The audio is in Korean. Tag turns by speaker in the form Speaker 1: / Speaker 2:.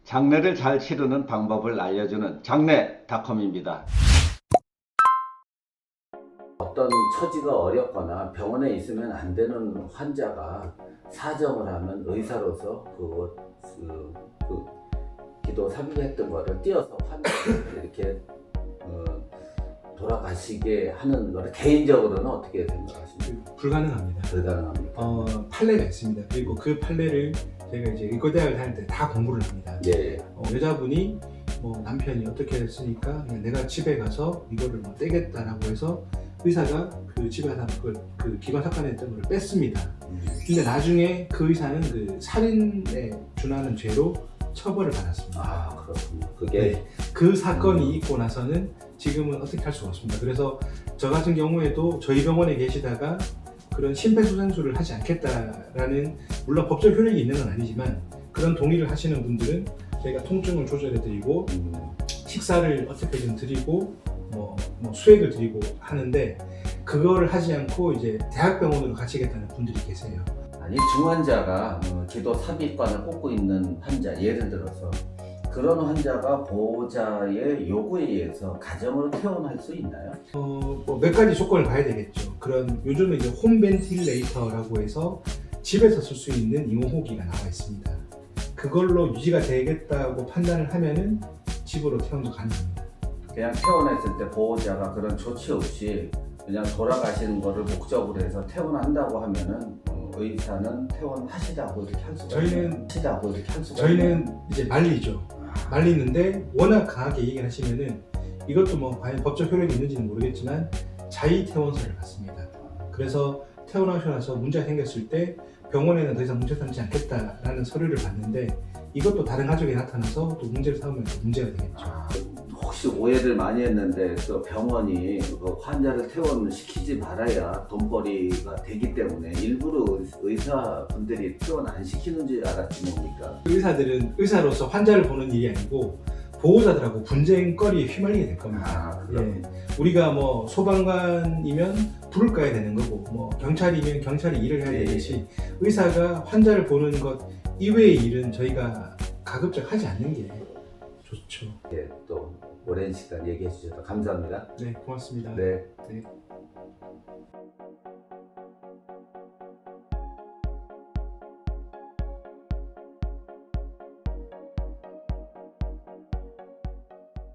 Speaker 1: 장례를 잘 치르는 방법을 알려주는 장례닷컴입니다.
Speaker 2: 어떤 처지가 어렵거나 병원에 있으면 안 되는 환자가 사정을 하면 의사로서 그 기도 삽입했던 거를 띄어서 환자를 이렇게 돌아가시게 하는 거를 개인적으로는 어떻게 생각하십니까?
Speaker 3: 불가능합니다.
Speaker 2: 불가능합니까?
Speaker 3: 판례가 있습니다. 그리고 그 판례를 제가 이제 의과대학을 다닐 때 다 공부를 합니다.
Speaker 2: 네.
Speaker 3: 여자분이 뭐 남편이 어떻게 했으니까 그냥 내가 집에 가서 이거를 뭐 떼겠다라고 해서 의사가 그 집에 가서 그 기관 사건에 했던 걸 뺐습니다. 근데 나중에 그 의사는 그 살인에 준하는 죄로 처벌을 받았습니다.
Speaker 2: 아, 그렇군요. 그게
Speaker 3: 네. 그 사건이 있고 나서는 지금은 어떻게 할 수가 없습니다. 그래서 저 같은 경우에도 저희 병원에 계시다가 그런 심폐소생술을 하지 않겠다라는, 물론 법적 효력이 있는 건 아니지만 그런 동의를 하시는 분들은 저희가 통증을 조절해드리고 식사를 어떻게든 드리고 뭐 수액을 드리고 하는데, 그거를 하지 않고 이제 대학병원으로 가시겠다는 분들이 계세요.
Speaker 2: 아니, 중환자가 기도 삽입관을 꽂고 있는 환자, 예를 들어서 그런 환자가 보호자의 요구에 의해서 가정으로 퇴원할 수 있나요?
Speaker 3: 뭐 몇 가지 조건을 봐야 되겠죠. 그런 요즘은 이제 홈 벤틸레이터라고 해서 집에서 쓸 수 있는 임호호기가 나와 있습니다. 그걸로 유지가 되겠다고 판단을 하면은 집으로 퇴원도 가능합니다.
Speaker 2: 그냥 퇴원했을 때 보호자가 그런 조치 없이 그냥 돌아가시는 거를 목적으로 해서 퇴원한다고 하면은 의사는 퇴원하시라고 이렇게 할 수가 하시라고 이렇게 할 수가
Speaker 3: 저희는 이제 말리죠. 말리는데 워낙 강하게 얘기를 하시면은 이것도 뭐 과연 법적 효력이 있는지는 모르겠지만 자의 퇴원서를 받습니다. 그래서 퇴원하셔 나서 문제가 생겼을 때 병원에는 더 이상 문제 삼지 않겠다라는 서류를 받는데, 이것도 다른 가족이 나타나서 또 문제를 삼으면 또 문제가 되겠죠.
Speaker 2: 혹시 오해를 많이 했는데 그 병원이 그 환자를 퇴원시키지 말아야 돈벌이가 되기 때문에 일부러 의사분들이 퇴원 안 시키는 줄 알았지 뭡니까?
Speaker 3: 의사들은 의사로서 환자를 보는 일이 아니고 보호자들하고 분쟁거리에 휘말리게 될 겁니다.
Speaker 2: 그렇군요.
Speaker 3: 우리가 뭐 소방관이면 불을 꺼야 되는 거고, 뭐 경찰이면 경찰이 일을 해야 되듯이 의사가 환자를 보는 것 이외의 일은 저희가 가급적 하지 않는 게 좋죠.
Speaker 2: 또 오랜 시간 얘기해 주셔서 감사합니다.
Speaker 3: 네, 고맙습니다.
Speaker 2: 네.
Speaker 3: 네.